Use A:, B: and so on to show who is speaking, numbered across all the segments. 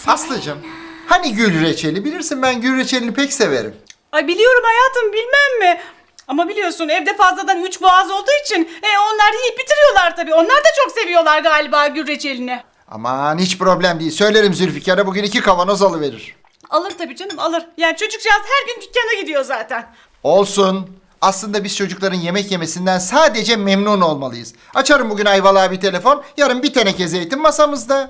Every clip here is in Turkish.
A: Aslıcığım, hani gül reçeli? Bilirsin ben gül reçelini pek severim.
B: Ay biliyorum hayatım, bilmem mi? Ama biliyorsun evde fazladan 3 boğaz olduğu için onlar yiyip bitiriyorlar tabii. Onlar da çok seviyorlar galiba gül reçelini.
A: Aman hiç problem değil. Söylerim Zülfikar'a bugün 2 kavanoz alıverir.
B: Alır tabii canım, alır. Yani çocukcağız her gün dükkana gidiyor zaten.
A: Olsun. Aslında biz çocukların yemek yemesinden sadece memnun olmalıyız. Açarım bugün Ayvalık'a bir telefon, yarın bir teneke zeytin masamızda.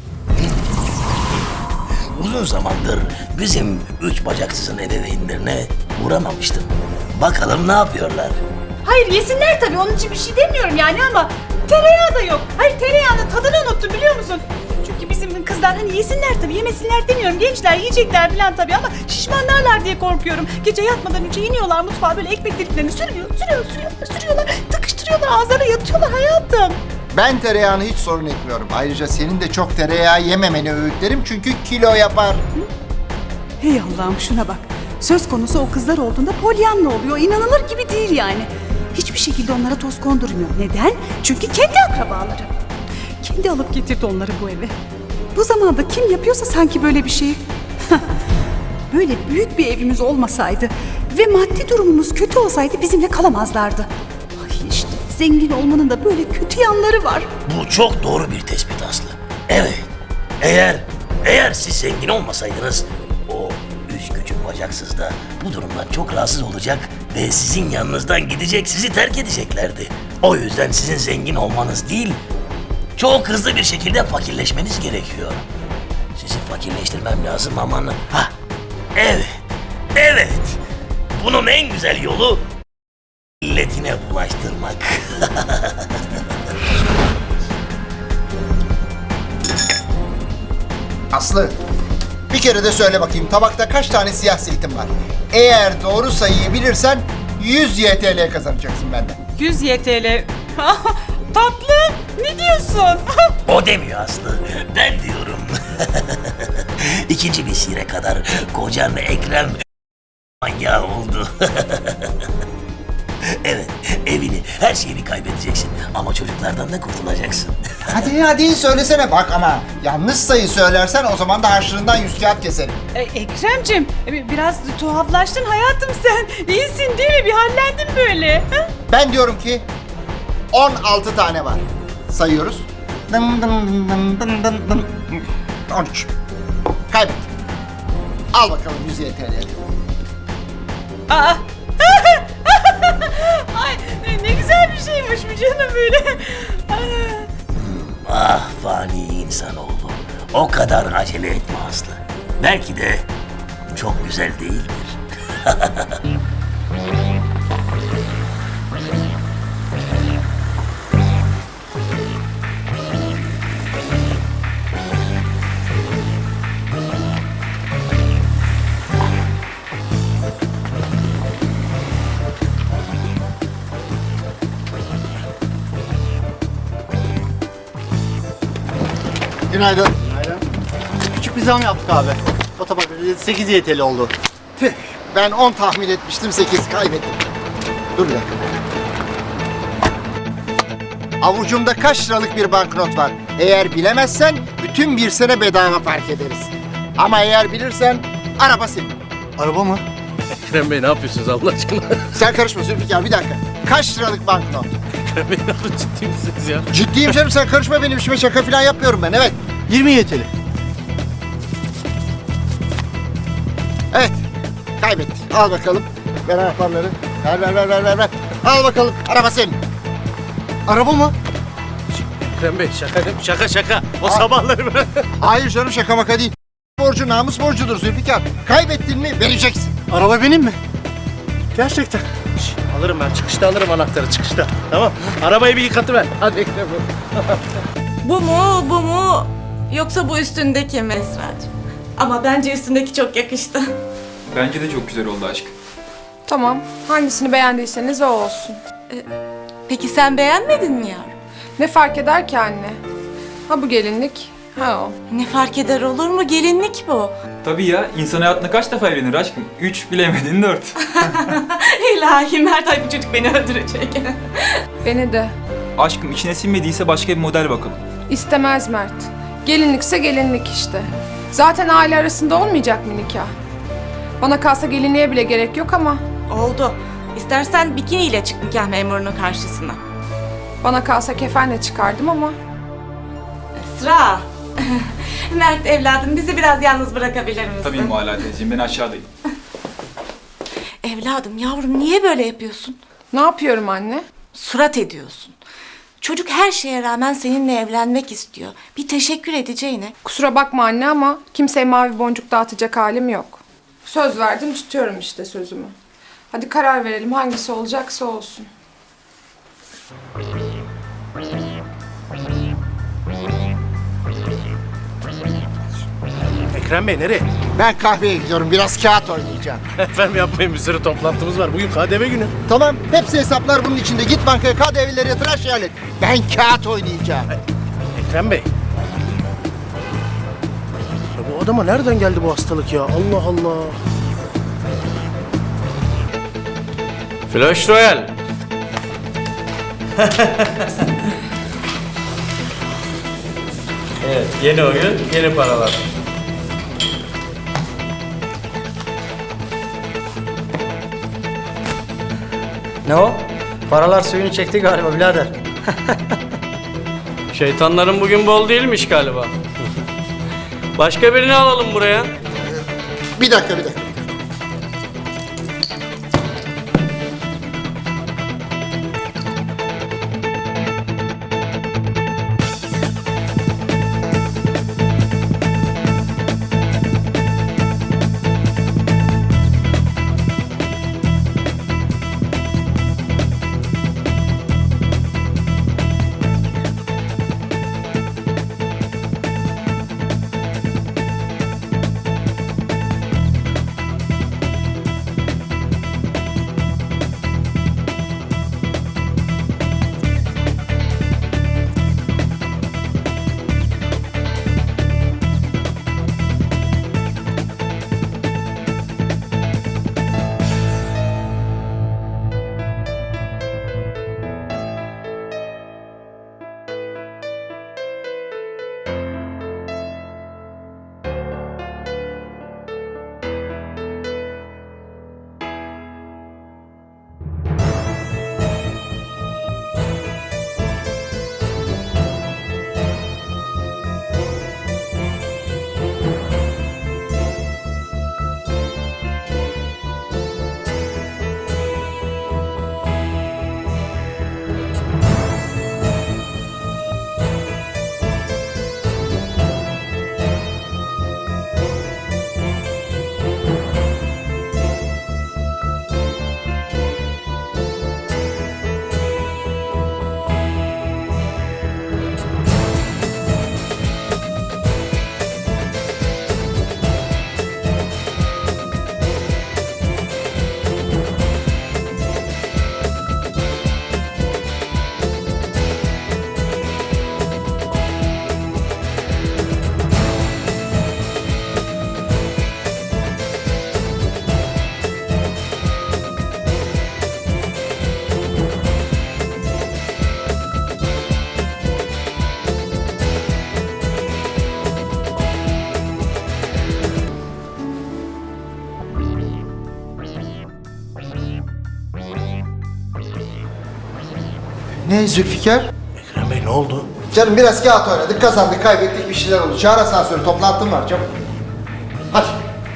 C: Uzun zamandır bizim üç bacaksızın ebeveynlerine uğramamıştım. Bakalım ne yapıyorlar?
B: Hayır yesinler tabii, onun için bir şey demiyorum yani ama tereyağı da yok. Hayır, tereyağının tadını unuttum biliyor musun? Çünkü bizim kızlar hani yesinler tabii, yemesinler demiyorum. Gençler yiyecekler falan tabii ama şişmanlarlar diye korkuyorum. Gece yatmadan önce iniyorlar mutfağa, böyle ekmek deliklerini sürüyorlar. Tıkıştırıyorlar, ağızlarına yatıyorlar hayatım.
A: Ben tereyağını hiç sorun etmiyorum. Ayrıca senin de çok tereyağı yememeni öğütlerim çünkü kilo yapar.
D: Hey Allah'ım şuna bak. Söz konusu o kızlar olduğunda polyanla oluyor. İnanılır gibi değil yani. Hiçbir şekilde onlara toz kondurmuyor. Neden? Çünkü kendi akrabaları. Kendi alıp getirdi onları bu eve. Bu zamanda kim yapıyorsa sanki böyle bir şeyi. Böyle büyük bir evimiz olmasaydı ve maddi durumumuz kötü olsaydı bizimle kalamazlardı. Ay işte zengin olmanın da böyle kötü yanları var.
C: Bu çok doğru bir tespit Aslı. Evet. Eğer siz zengin olmasaydınız o üç küçük bacaksız da bu durumdan çok rahatsız olacak ve sizin yanınızdan gidecek, sizi terk edeceklerdi. O yüzden sizin zengin olmanız değil, çok hızlı bir şekilde fakirleşmeniz gerekiyor. Sizi fakirleştirmem lazım aman. Ha, evet. Bunun en güzel yolu milletine bulaştırmak.
A: Aslı, bir kere de söyle bakayım tabakta kaç tane siyah zeytin var? Eğer doğru sayıyı bilirsen 100 YTL kazanacaksın benden.
B: 100 YTL. Tatlım, ne diyorsun?
C: O demiyor Aslı, ben diyorum. İkinci vesile kadar kocan Ekrem manyağı oldu. Evet, evini, her şeyini kaybedeceksin ama çocuklardan da kurtulacaksın.
A: Hadi söylesene bak ama yanlış sayı söylersen o zaman da harçlığından 100 kağıt keserim.
B: Ekrem'cim, biraz tuhaflaştın hayatım sen. İyisin değil mi? Bir hallendin böyle. Ha?
A: Ben diyorum ki 16 tane var. Sayıyoruz. 13. Kaybettim. Al bakalım 100 YTL.
B: Aa. Ay ne güzel bir şeymiş bu canım böyle.
C: Ah fani insanoğlu, o kadar acele etme Aslı. Belki de çok güzel değildir.
A: Günaydın.
E: Küçük bir zam yaptık abi. O tabak 8 YTL oldu.
A: Tüh, ben 10 tahmin etmiştim 8 kaybettim. Dur bir dakika. Avucumda kaç liralık bir banknot var. Eğer bilemezsen bütün bir sene bedava park ederiz. Ama eğer bilirsen araba senin.
E: Araba mı?
F: Ekrem Bey ne yapıyorsunuz Allah aşkına?
A: Sen karışma Zülfikar bir dakika. Kaç liralık banknot?
F: Ekrem Bey ne yapıyorsunuz? Ciddi misiniz ya?
A: Ciddiyim canım sen karışma benim işime şaka falan yapmıyorum ben evet.
E: 20 YTL.
A: Evet kaybettik. Al bakalım. Ver anahtarları. Ver. Al bakalım araba senin.
E: Araba mı?
F: Ekrem Bey şaka değil mi? Şaka. O sabahları ben...
A: Hayır canım şaka maka değil. Borcu namus borcudur Zülfikar. Kaybettin mi vereceksin.
E: Araba benim mi? Gerçekten.
F: Alırım ben çıkışta alırım anahtarı çıkışta. Tamam. Arabayı bir yıkatıver. Hadi Ekrem Bey.
G: Bu mu? Yoksa bu üstündeki mi Esra'cığım? Ama bence üstündeki çok yakıştı.
H: Bence de çok güzel oldu aşkım.
I: Tamam. Hangisini beğendiyseniz o olsun.
G: Peki sen beğenmedin mi yavrum?
I: Ne fark eder ki anne? Ha bu gelinlik, ha o.
G: Ne fark eder olur mu? Gelinlik bu.
H: Tabii ya, insan hayatında kaç defa evlenir aşkım? 3 bilemedin 4.
G: İlahi Mert, ay bu çocuk beni öldürecek.
I: Beni de.
H: Aşkım içine sinmediyse başka bir model bakalım.
I: İstemez Mert. Gelinlikse gelinlik işte. Zaten aile arasında olmayacak mı nikah? Bana kalsa gelinliğe bile gerek yok ama
G: Oldu. İstersen bikiniyle çık nikah memurunun karşısına.
I: bana kalsa kefenle çıkardım ama
G: Esra. Mert evladım bizi biraz yalnız bırakabilir misin?
H: Tabii Mualla teyzeciğim, ben aşağıdayım.
G: Evladım yavrum niye böyle yapıyorsun?
I: ne yapıyorum anne?
G: Surat ediyorsun. Çocuk her şeye rağmen seninle evlenmek istiyor. Bir teşekkür edeceğine.
I: Kusura bakma anne ama kimseye mavi boncuk dağıtacak halim yok. Söz verdim tutuyorum işte sözümü. Hadi karar verelim hangisi olacaksa olsun.
F: Ekrem Bey nereye?
A: Ben kahveye gidiyorum, biraz kağıt oynayacağım.
F: Efendim yapmayın, bir sürü toplantımız var. Bugün KDV günü.
A: Tamam, hepsi hesaplar bunun içinde. Git bankaya KDV'leri yatır, her şeyi hallet. Ben kağıt oynayacağım.
F: Ekrem Bey. Ya bu adama nereden geldi bu hastalık ya? Allah Allah.
J: Flash Royale. Evet, yeni oyun, yeni paralar.
E: Ne o? Paralar suyunu çekti galiba birader.
J: Şeytanların bugün bol değilmiş galiba. Başka birini alalım buraya.
A: Bir dakika. Ne Zülfikar?
F: Ekrem Bey ne oldu?
A: Canım biraz kağıt oynadık, kazandık, kaybettik, bir şeyler oldu. Çağır asansörü, toplantım var çabuk. Hadi.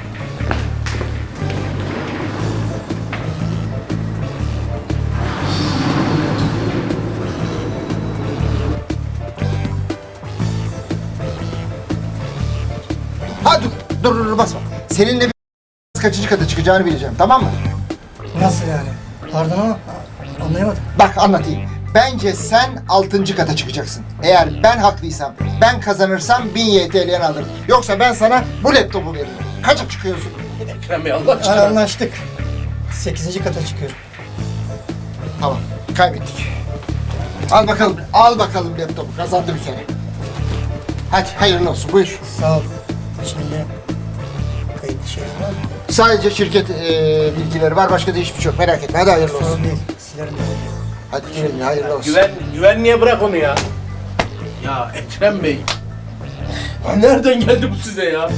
A: Hadi dur basma. Seninle bir kaçıncı kata çıkacağını bileceğim, tamam mı?
E: Nasıl yani? Pardon ama anlayamadım.
A: Bak anlatayım. Bence sen 6. kata çıkacaksın. Eğer ben haklıysam, ben kazanırsam 1000 YTL'ni alırım. Yoksa ben sana bu laptopu veririm. Kaça çıkıyorsun?
F: Ekrem Bey Allah aşkına.
E: Anlaştık. 8. kata çıkıyorum.
A: Tamam, kaybettik. Al bakalım laptopu. Kazandı bir kere. Hadi hayırlı olsun, buyur.
E: Sağ ol. Şimdi kayıtlı şey var mı?
A: Sadece şirket bilgileri var, başka da hiçbir şey yok. Merak etme, hadi hayırlı olsun.
E: Sorun değil. Silerim de.
A: Hadi güle hayırlı olsun.
F: Güvenliğe bırak onu ya. Ya Ekrem Bey. Ha, nereden geldi bu size ya?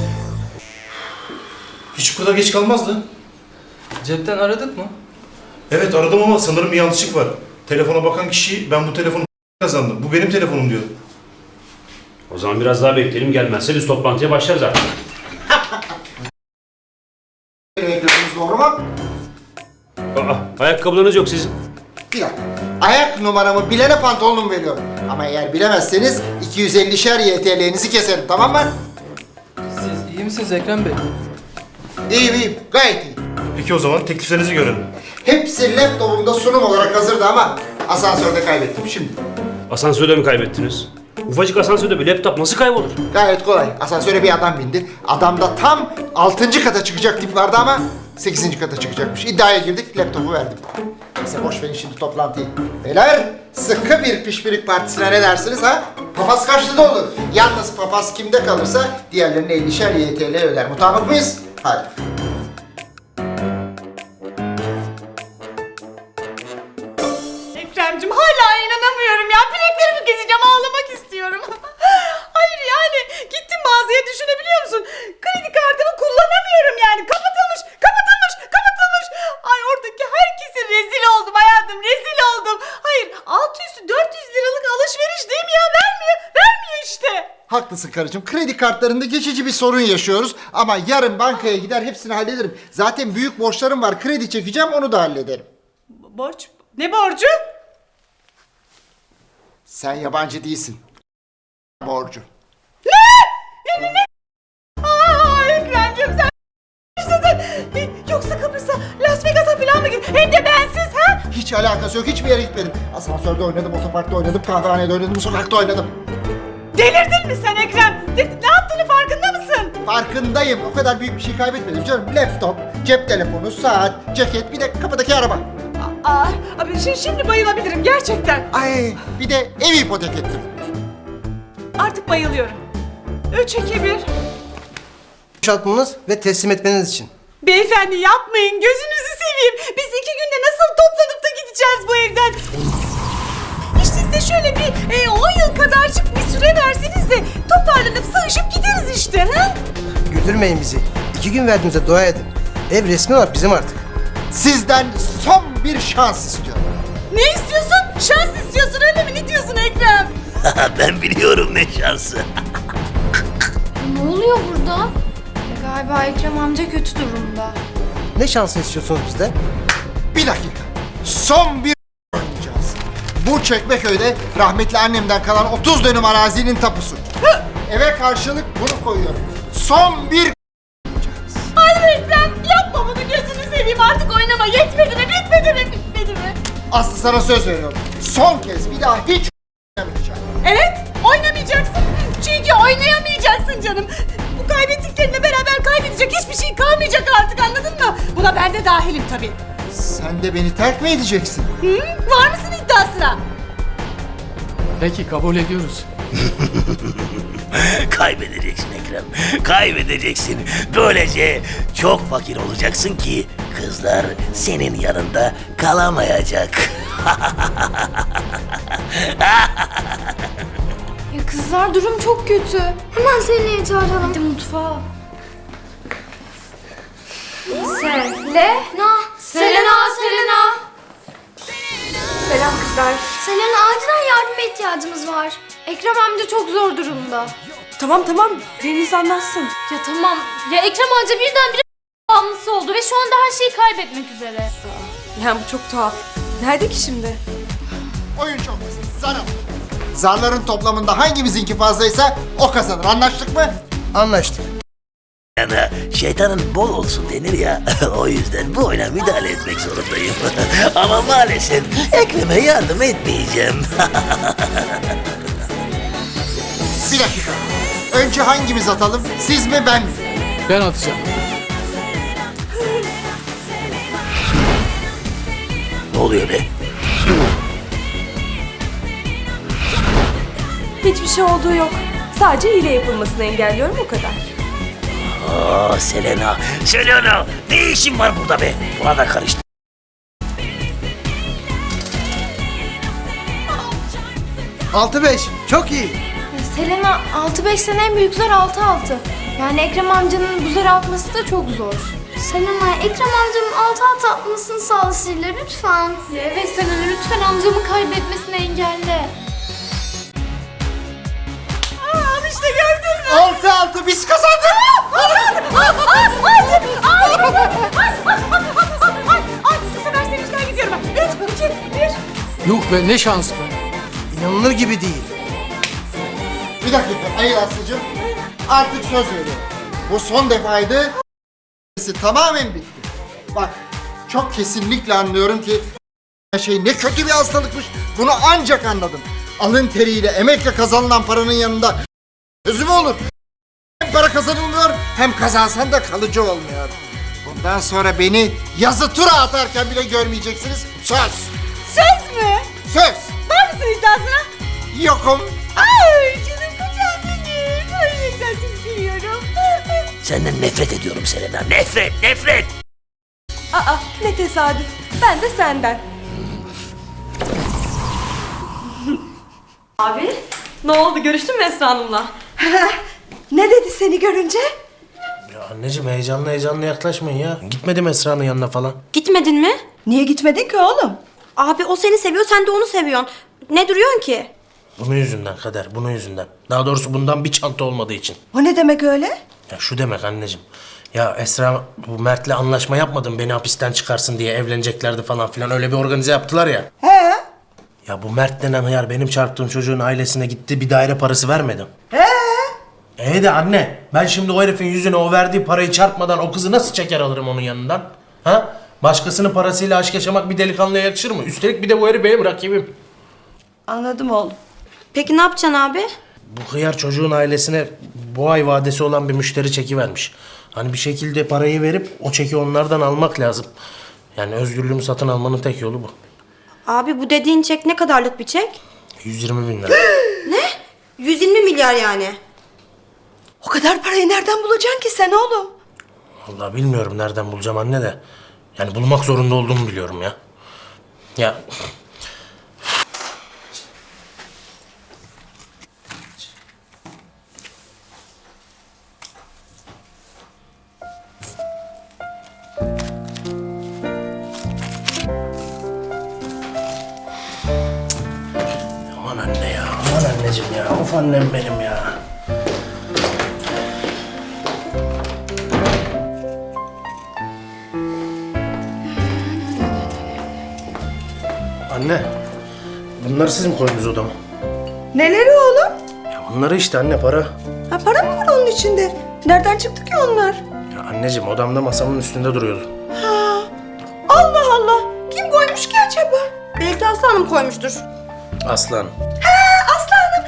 K: Hiç bu kadar geç kalmazdı.
F: Cepten aradık mı?
K: Evet aradım ama sanırım bir yanlışlık var. Telefona bakan kişi ben bu telefonu kazandım. Bu benim telefonum diyor.
L: O zaman biraz daha bekleyelim, gelmezse biz toplantıya başlarız artık.
A: Reklamınız doğru mu?
L: Ayakkabılarınız yok sizin.
A: Bir dakika. Ayak numaramı bilene pantolonumu veriyorum. Ama eğer bilemezseniz 250'şer YTL'nizi keserim, tamam mı?
F: Siz iyi misiniz Ekrem Bey?
A: İyiyim iyiyim, gayet iyiyim.
K: Peki o zaman tekliflerinizi görelim.
A: Hepsi laptopumda sunum olarak hazırdı ama asansörde kaybettim şimdi.
L: Asansörde mi kaybettiniz? Ufacık asansörde bir laptop nasıl kaybolur?
A: Gayet kolay. Asansöre bir adam bindi. Adam da tam 6. kata çıkacak tip vardı ama 8. kata çıkacakmış. İddiaya girdik, laptopu verdim. Neyse boş verin şimdi toplantıyı. Beyler, sıkı bir pişpirik partisine ne dersiniz ha? Papaz kaçtı da olur. Yalnız papaz kimde kalırsa diğerlerine 50'şer YTL öder. Mutabık mıyız? Hadi.
B: Ekrem'cim hala inanamıyorum ya. Bileklerimi keseceğim, ağlamak istiyorum. Hayır yani gittim mağazaya, düşünebiliyor musun? Kredi kartımı kullanamıyorum yani. Kapatılmış. Ay oradaki herkese rezil oldum hayatım, rezil oldum. Hayır, altı üstü 400 liralık alışveriş değil mi ya? Vermiyor işte.
A: Haklısın karıcığım. Kredi kartlarında geçici bir sorun yaşıyoruz. Ama yarın bankaya gider hepsini hallederim. Zaten büyük borçlarım var. Kredi çekeceğim, onu da hallederim.
B: Borç? Ne borcu?
A: Sen yabancı değilsin. Borcu.
B: Aa Ekrem'cim sen yoksa Kıbrıs'a, Las Vegas'a falan mı gittin? Hem de bensiz ha?
A: Hiç alakası yok. Hiçbir yere gitmedim. Asansörde oynadım, otoparkta oynadım, kahvehanede oynadım, sokakta oynadım.
B: Delirdin mi sen Ekrem? Ne yaptığını farkında mısın?
A: Farkındayım. O kadar büyük bir şey kaybetmedim canım. Laptop, cep telefonu, saat, ceket, bir de kapıdaki araba.
B: Abi şimdi bayılabilirim gerçekten.
A: Ay, bir de ev ipotek ettim.
B: Artık bayılıyorum. 3, 2, 1.
E: Boşaltmanız ve teslim etmeniz için.
B: Beyefendi yapmayın, gözünüzü seveyim. Biz 2 günde nasıl toplanıp da gideceğiz bu evden? İşte size şöyle bir 10 yıl kadarcık bir süre verseniz de toparlanıp sığışıp gideriz işte ha?
E: Güldürmeyin bizi. 2 gün verdiğimize dua edin. Ev resmi olarak bizim artık.
A: Sizden son bir şans istiyorum.
B: Ne istiyorsun? Şans istiyorsun öyle mi? Ne diyorsun Ekrem?
C: Ben biliyorum ne şansı.
M: Ne oluyor burada? Galiba Ekrem amca kötü durumda.
E: Ne şansını istiyorsunuz bizden?
A: Bir dakika. Son bir oynayacağız. Bu Çekmeköy'de rahmetli annemden kalan 30 dönüm arazinin tapusu. Eve karşılık bunu koyuyorum. Son bir
B: Hayır Ekrem, yapma bunu, gözünü seveyim, artık oynama. Yetmedi mi? Bitmedi mi?
A: Aslı sana söz veriyorum. Son kez bir daha hiç oynamayacağım.
B: Evet, oynamayacaksın. Çünkü oynayamayacaksın canım. Bu kaybettiklerine beraber kaybedecek hiçbir şey kalmayacak artık, anladın mı? Buna ben de dahilim tabii.
A: Sen de beni terk mi edeceksin?
B: Hı? Var mısın iddiasına?
F: Peki kabul ediyoruz.
C: Kaybedeceksin Ekrem. Kaybedeceksin. Böylece çok fakir olacaksın ki kızlar senin yanında kalamayacak.
M: Ya kızlar durum çok kötü. Hemen Selena'yı çağıralım. Hadi mutfağa. Selena.
I: Selam kızlar.
M: Selena acilen yardıma ihtiyacımız var. Ekrem amca çok zor durumda.
G: Tamam Deniz anlatsın.
M: Ya tamam. Ya Ekrem amca birdenbire bağımlısı oldu ve şu anda her şeyi kaybetmek üzere.
G: Yani bu çok tuhaf. Nerede ki şimdi?
A: Oyun çok basit. Zar al. Zarların toplamında hangimizinki fazlaysa o kazanır. Anlaştık mı?
E: Anlaştık.
C: Yani şeytanın bol olsun denir ya. O yüzden bu oyuna müdahale etmek zorundayım. Ama maalesef Ekrem'e yardım etmeyeceğim.
A: Bir dakika. Önce hangimiz atalım? Siz mi ben mi?
F: Ben atacağım.
C: Ne oluyor be?
G: Hiçbir şey olduğu yok. Sadece hile yapılmasını engelliyorum, o kadar.
C: Aa Selena, ne işin var burada be? Buna da karıştı.
E: Altı 5. Çok iyi.
M: Selena 6-5 sene en büyükler 6-6. Yani Ekrem amcanın bu zar atması da çok zor. Selena, Ekrem amcanın 6-6 atmasını sağla Sihir'le lütfen. Evet Selena, lütfen amcamı kaybetmesini engelle.
B: Al işte gördün mü?
A: 6-6 biz kazandık.
B: Bu sefer sevinçten gidiyorum ben. 3, 2, 1.
F: Yok be ne şans be. İnanılır gibi değil.
A: Bir dakika Ayıl Aslı'cığım. Artık söz veriyorum. Bu son defaydı. Tamamen bitti. Bak çok kesinlikle anlıyorum ki şey ne kötü bir hastalıkmış. Bunu ancak anladım. Alın teriyle, emekle kazanılan paranın yanında sözü mü olur? Hem para kazanılmıyor hem kazansan da kalıcı olmuyor. Bundan sonra beni yazı tura atarken bile görmeyeceksiniz. Söz.
B: Söz mü?
A: Söz.
B: Var mısın iddiasına?
A: Yokum.
B: Ay canım kocam benim. Ay ne güzel seni seviyorum.
C: Senden nefret ediyorum Selena. Nefret, nefret.
G: Aa ne tesadüf. Ben de senden. Abi ne oldu görüştün mü Esra Hanım'la?
D: Ne dedi seni görünce?
F: Ya anneciğim heyecanlı yaklaşmayın ya. Gitmedim Esra'nın yanına falan.
G: Gitmedin mi?
D: Niye gitmedin ki oğlum?
G: Abi o seni seviyor sen de onu seviyorsun. Ne duruyorsun ki?
F: Bunun yüzünden Kader, bunun yüzünden. Daha doğrusu bundan bir çanta olmadığı için.
D: O ne demek öyle?
F: Ya şu demek anneciğim. Ya Esra bu Mert'le anlaşma yapmadım beni hapisten çıkarsın diye evleneceklerdi falan filan öyle bir organize yaptılar ya.
D: He?
F: Ya bu Mert denen hıyar benim çarptığım çocuğun ailesine gitti bir daire parası vermedim. De anne ben şimdi o herifin yüzüne o verdiği parayı çarpmadan o kızı nasıl çeker alırım onun yanından? Ha? Başkasının parasıyla aşk yaşamak bir delikanlıya yakışır mı? Üstelik bir de bu herif benim rakibim.
D: Anladım oğlum.
G: Peki ne yapacaksın abi?
F: Bu hıyar çocuğun ailesine bu ay vadesi olan bir müşteri çeki vermiş. Hani bir şekilde parayı verip o çeki onlardan almak lazım. Yani özgürlüğümü satın almanın tek yolu bu.
G: Abi bu dediğin çek ne kadarlık bir çek?
F: 120 bin lira.
G: 120 milyar yani.
D: O kadar parayı nereden bulacaksın ki sen oğlum?
F: Vallahi bilmiyorum nereden bulacağım anne de. Yani bulmak zorunda olduğumu biliyorum ya. Ya aman anne ya, aman anneciğim ya, of annem benim ya. Anne, bunları siz mi koydunuz odama?
D: Neleri oğlum?
F: Ya bunları işte anne para.
D: Ha para mı var onun içinde? Nereden çıktı ki onlar?
F: Ya anneciğim odamda masamın üstünde duruyordu.
D: Allah Allah! Kim koymuş ki acaba?
G: Belki Aslı Hanım koymuştur.
F: Aslan.
D: Aslanım!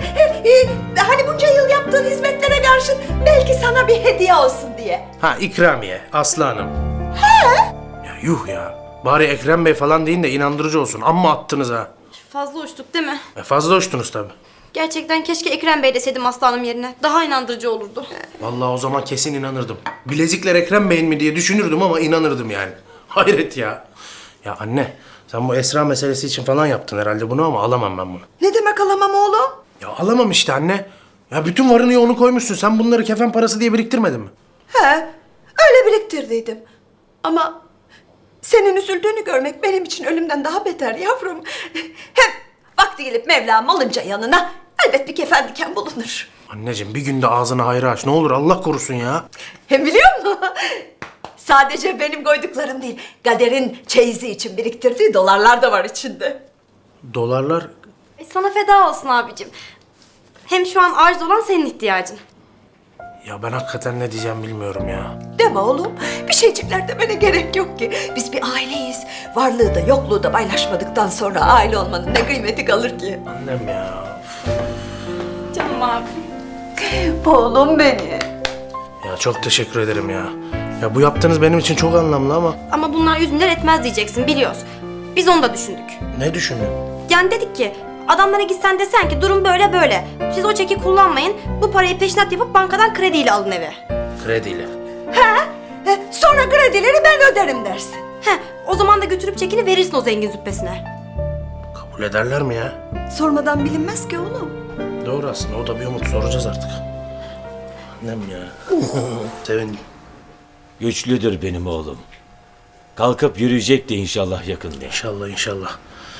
D: Hani bunca yıl yaptığın hizmetlere karşın belki sana bir hediye olsun diye.
F: Ha ikramiye, Aslı Hanım. Ya yuh ya. Bari Ekrem Bey falan deyin de inandırıcı olsun. Amma attınız ha.
G: Fazla uçtuk değil mi?
F: Fazla uçtunuz tabii.
G: Gerçekten keşke Ekrem Bey deseydim Aslı Hanım yerine. Daha inandırıcı olurdu.
F: Vallahi o zaman kesin inanırdım. Bilezikler Ekrem Bey'in mi diye düşünürdüm ama inanırdım yani. Hayret ya. Ya anne, sen bu Esra meselesi için falan yaptın herhalde bunu ama alamam ben bunu.
D: Ne demek alamam oğlum?
F: Ya alamam işte anne. Ya bütün varını yoğunu koymuşsun. Sen bunları kefen parası diye biriktirmedin mi?
D: He, öyle biriktirdiydim. Ama senin üzüldüğünü görmek benim için ölümden daha beter yavrum. Hem vakti gelip Mevlam alınca yanına elbet bir kefen diken bulunur.
F: Anneciğim bir günde ağzını hayra aç. Ne olur Allah korusun ya.
D: Hem biliyor musun? Sadece benim koyduklarım değil, Kader'in çeyizi için biriktirdiği dolarlar da var içinde.
F: Dolarlar...
G: Sana feda olsun abicim. Hem şu an arz olan senin ihtiyacın.
F: Ya ben hakikaten ne diyeceğim bilmiyorum ya.
D: Deme oğlum, bir şeycikler demene gerek yok ki. Biz bir aileyiz. Varlığı da yokluğu da paylaşmadıktan sonra aile olmanın ne kıymeti kalır ki?
F: Annem ya.
G: Canım abi.
D: Oğlum beni.
F: Ya çok teşekkür ederim ya. Ya bu yaptığınız benim için çok anlamlı ama...
G: Ama bunlar 100 milyar etmez diyeceksin biliyoruz. Biz onu da düşündük.
F: Ne düşündün?
G: Yani dedik ki adamlara gitsen desen ki durum böyle böyle. Siz o çeki kullanmayın. Bu parayı peşinat yapıp bankadan krediyle alın eve.
F: Krediyle.
D: Sonra kredileri ben öderim dersin.
G: O zaman da götürüp çekini verirsin o zengin züppesine.
F: Kabul ederler mi ya?
D: Sormadan bilinmez ki oğlum.
F: Doğru aslında, o da bir umut, soracağız artık. Annem ya. Sevindim.
C: Güçlüdür benim oğlum. Kalkıp yürüyecek de inşallah yakında.
F: İnşallah inşallah.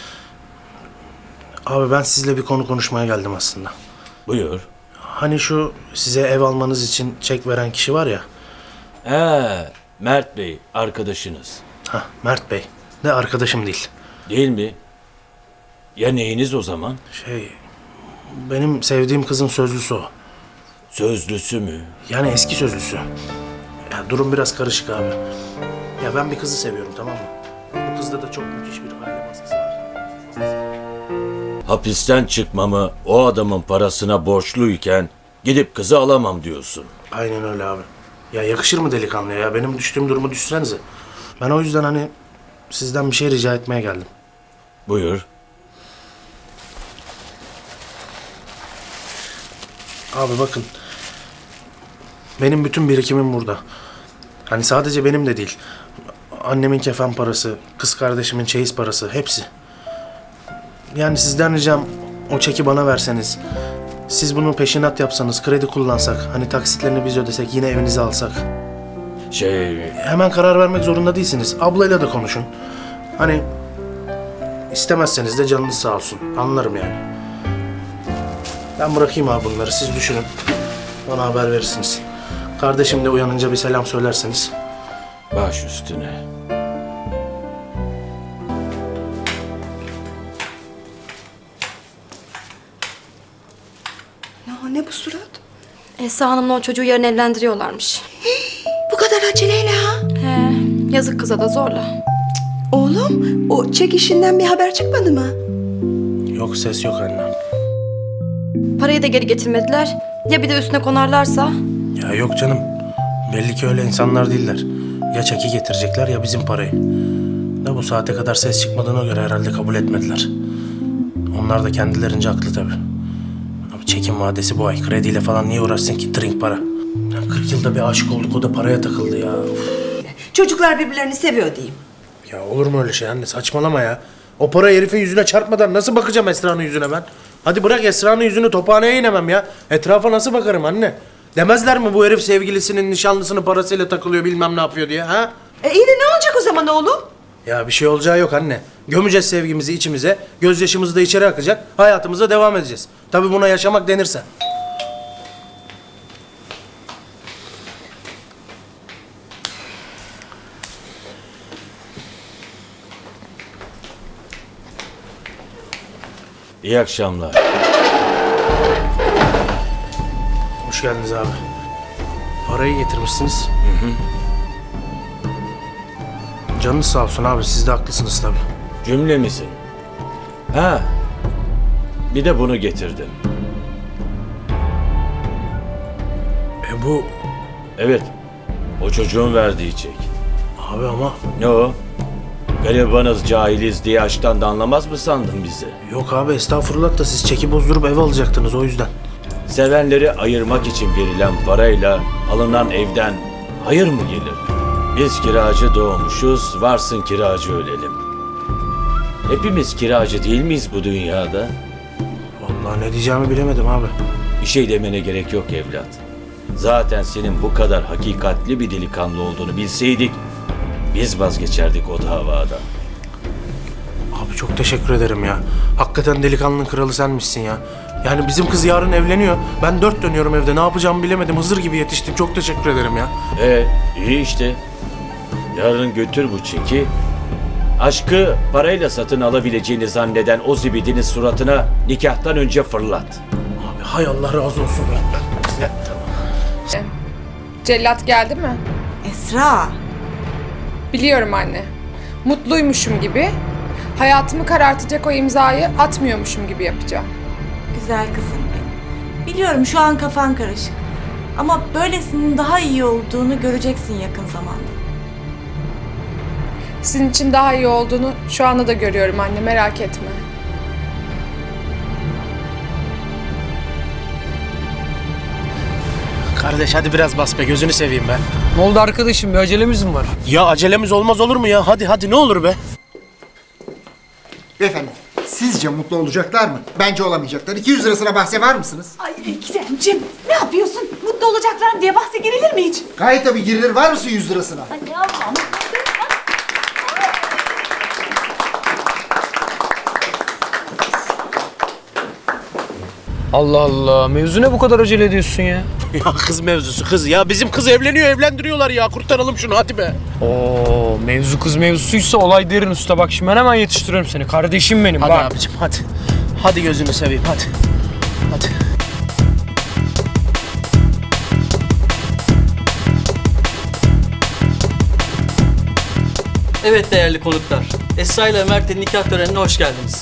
F: Abi ben sizle bir konu konuşmaya geldim aslında.
C: Buyur.
F: Hani şu size ev almanız için çek veren kişi var ya.
C: Mert Bey arkadaşınız.
F: Hah, Mert Bey. De arkadaşım değil.
C: Değil mi? Ya neyiniz o zaman?
F: Benim sevdiğim kızın sözlüsü o.
C: Sözlüsü mü?
F: Yani eski sözlüsü. Ya durum biraz karışık abi. Ya ben bir kızı seviyorum, tamam mı? Bu kızda da çok müthiş bir aile baskısı var.
C: Hapisten çıkmamı o adamın parasına borçluyken gidip kızı alamam diyorsun.
F: Aynen öyle abi. Ya yakışır mı delikanlıya ya? Benim düştüğüm durumu düşünsenize. Ben o yüzden hani sizden bir şey rica etmeye geldim.
C: Buyur.
F: Abi bakın. Benim bütün birikimim burada. Hani sadece benim de değil. Annemin kefen parası, kız kardeşimin çeyiz parası, hepsi. Yani sizden ricam o çeki bana verseniz. Siz bunu peşinat yapsanız, kredi kullansak, hani taksitlerini biz ödesek, yine evinizi alsak. Hemen karar vermek zorunda değilsiniz. Ablayla da konuşun. Hani istemezseniz de canınız sağ olsun. Anlarım yani. Ben bırakayım abi bunları, siz düşünün. Bana haber verirsiniz. Kardeşim de uyanınca bir selam söylerseniz.
C: Baş üstüne.
G: Ya ne bu surat? Esra Hanım'la o çocuğu yarın evlendiriyorlarmış.
N: Bu kadar aceleyle ha?
G: He, yazık kıza da zorla.
N: Oğlum, o çek işinden bir haber çıkmadı mı?
F: Yok, ses yok anne.
G: Parayı da geri getirmediler. Ya bir de üstüne konarlarsa?
F: Ya yok canım. Belli ki öyle insanlar değiller. Ya çeki getirecekler ya bizim parayı. Da bu saate kadar ses çıkmadığına göre herhalde kabul etmediler. Onlar da kendilerince haklı tabii. Abi çekin vadesi bu ay. Krediyle falan niye uğraşsın ki? Trink para. Ya 40 yılda bir aşık olduk, o da paraya takıldı ya.
N: Çocuklar birbirlerini seviyor diyeyim.
F: Ya olur mu öyle şey anne? Saçmalama ya. O para herifin yüzüne çarpmadan nasıl bakacağım Esra'nın yüzüne ben? Hadi bırak Esra'nın yüzünü, tophaneye inemem ya. Etrafa nasıl bakarım anne? Demezler mi bu herif sevgilisinin nişanlısının parasıyla takılıyor bilmem ne yapıyor diye ha?
N: İyi de ne olacak o zaman oğlum?
F: Ya bir şey olacağı yok anne. Gömeceğiz sevgimizi içimize, gözyaşımız da içeri akacak, hayatımıza devam edeceğiz. Tabii buna yaşamak denirse.
C: İyi akşamlar.
F: Hoş geldiniz abi. Parayı getirmişsiniz. Canınız sağ olsun abi, siz de haklısınız tabii.
C: Cümlemizin. Bir de bunu getirdim.
F: Bu...
C: Evet. O çocuğun verdiği çek.
F: Abi ama...
C: Ne o? Garibanız, cahiliz diye aşktan da anlamaz mı sandın bizi?
F: Yok abi estağfurullah da siz çeki bozdurup ev alacaktınız o yüzden.
C: Sevenleri ayırmak için verilen parayla alınan evden hayır mı gelir? Biz kiracı doğmuşuz, varsın kiracı ölelim. Hepimiz kiracı değil miyiz bu dünyada?
F: Vallahi ne diyeceğimi bilemedim abi.
C: Bir şey demene gerek yok evlat. Zaten senin bu kadar hakikatli bir delikanlı olduğunu bilseydik, biz vazgeçerdik o davadan.
F: Abi çok teşekkür ederim ya. Hakikaten delikanlının kralı senmişsin ya. Yani bizim kız yarın evleniyor. Ben 4 dönüyorum evde. Ne yapacağımı bilemedim. Hızır gibi yetiştim. Çok teşekkür ederim ya.
C: İyi işte. Yarın götür bu çeki. Aşkı parayla satın alabileceğini zanneden o zibidinin suratına nikahtan önce fırlat.
F: Abi hay Allah razı olsun ya.
I: Cellat geldi mi?
N: Esra.
I: Biliyorum anne. Mutluymuşum gibi, hayatımı karartacak o imzayı atmıyormuşum gibi yapacağım.
N: Güzel kızım benim. Biliyorum şu an kafan karışık. Ama böylesinin daha iyi olduğunu göreceksin yakın zamanda.
I: Sizin için daha iyi olduğunu şu anda da görüyorum anne, merak etme.
F: Kardeş hadi biraz bas be, gözünü seveyim be.
J: Ne oldu arkadaşım, bir acelemiz mi var?
F: Ya acelemiz olmaz olur mu ya? Hadi ne olur be.
A: Beyefendi, Sizce mutlu olacaklar mı? Bence olamayacaklar. 200 lirasına bahse var mısınız?
D: Ay Ekrem'cim ne yapıyorsun? Mutlu olacaklar diye bahse girilir mi hiç?
A: Gayet tabii girilir. Var mısın 100 lirasına?
D: Ay ne yapalım?
J: Allah Allah. Mevzu ne bu kadar acele ediyorsun ya?
F: Ya kız mevzusu kız ya. Bizim kız evleniyor evlendiriyorlar ya. Kurtaralım şunu hadi be.
J: Oo, mevzu kız mevzusuysa olay derin usta. Bak şimdi ben hemen yetiştiriyorum seni. Kardeşim benim
F: Hadi
J: bak.
F: abicim hadi. Hadi gözünü seveyim hadi. Hadi.
J: Evet değerli konuklar. Esra ile Mert'in nikah törenine hoş geldiniz.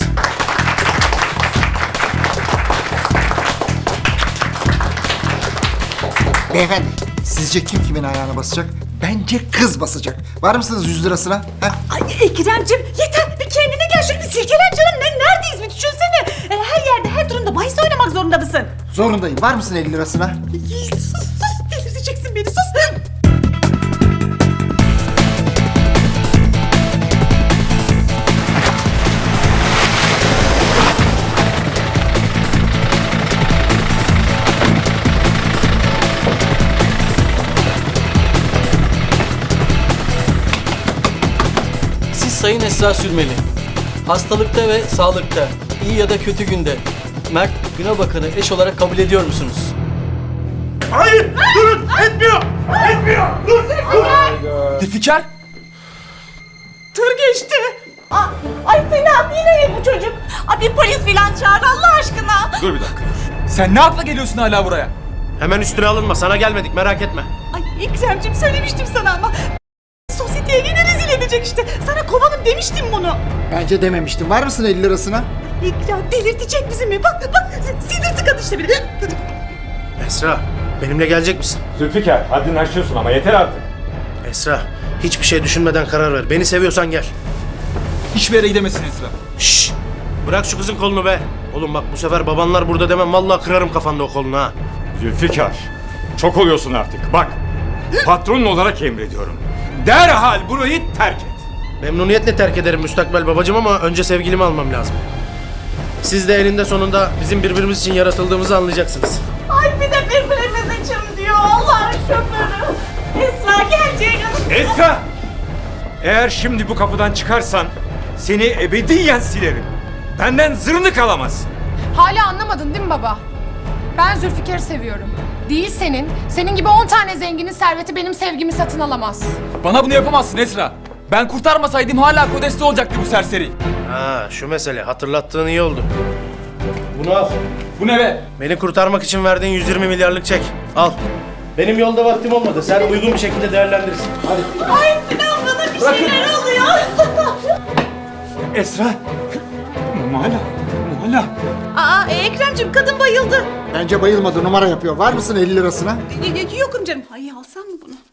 A: Beyefendi, sizce kim kimin ayağına basacak? Bence kız basacak. Var mısınız 100 lirasına? Ha?
D: Ay Ekrem'cim yeter bir kendine gel şöyle bir silkelen canım. Neredeyiz bir düşünsene. Her yerde her durumda bahis oynamak zorunda mısın?
A: Zorundayım. Var mısın 50 lirasına?
D: Sus delirteceksin beni sus.
J: Siz Sayın Esra Sürmeli. Hastalıkta ve sağlıkta, iyi ya da kötü günde Mert Günebakan'ı eş olarak kabul ediyor musunuz?
K: Hayır! Durun! Etmiyor! Etmiyor! Dur!
J: Zülfikar!
D: Tır geçti. Ay Sinan yine bu çocuk. Ay bir polis filan çağır Allah aşkına.
H: Dur bir dakika. Sen ne akla geliyorsun hala buraya?
F: Hemen üstüne alınma. Sana gelmedik merak etme.
D: Ay Ekrem'cim söylemiştim sana ama. Sosyeteye yine rezil edecek işte. Sana kovanım demiştim bunu.
A: Bence dememiştim. Var mısın 50 lirasına?
D: Ya delirtecek bizi mi? Bak sinir tıkadı işte beni.
F: Esra benimle gelecek misin?
H: Zülfikar haddini aşıyorsun ama yeter artık.
F: Esra hiçbir şey düşünmeden karar ver. Beni seviyorsan gel.
H: Hiçbir yere gidemezsin Esra.
F: Şşş! Bırak şu kızın kolunu be. Oğlum bak bu sefer babanlar burada demem. Vallahi kırarım kafanda o kolunu ha.
O: Zülfikar, çok oluyorsun artık. Bak, patronun olarak emrediyorum. Derhal burayı terk et.
F: Memnuniyetle terk ederim müstakbel babacığım ama önce sevgilimi almam lazım. Siz de eninde sonunda bizim birbirimiz için yaratıldığımızı anlayacaksınız.
D: Ay bir de birbirimiz için diyor Allah'ın şoförü. Esra gelecek.
O: Esra! Eğer şimdi bu kapıdan çıkarsan seni ebediyen silerim. Benden zırnık alamazsın.
I: Hala anlamadın değil mi baba? Ben Zülfikar'ı seviyorum. Değil senin. Senin gibi 10 tane zenginin serveti benim sevgimi satın alamaz.
H: Bana bunu yapamazsın Esra. Ben kurtarmasaydım hala kodeste olacaktı bu serseri.
F: Ha şu mesele hatırlattığın iyi oldu. Bunu al.
H: Bu ne be?
F: Beni kurtarmak için verdiğin 120 milyarlık çek. Al. Benim yolda vaktim olmadı. Sen uygun bir şekilde değerlendirirsin. Hadi.
D: Ay Sinan bana bir şeyler oluyor.
O: Esra! Muhala!
B: Ekrem'cim kadın bayıldı.
A: Bence bayılmadı. Numara yapıyor. Var mısın 50 lirasına?
B: Yokum canım. Ay alsam mı bunu?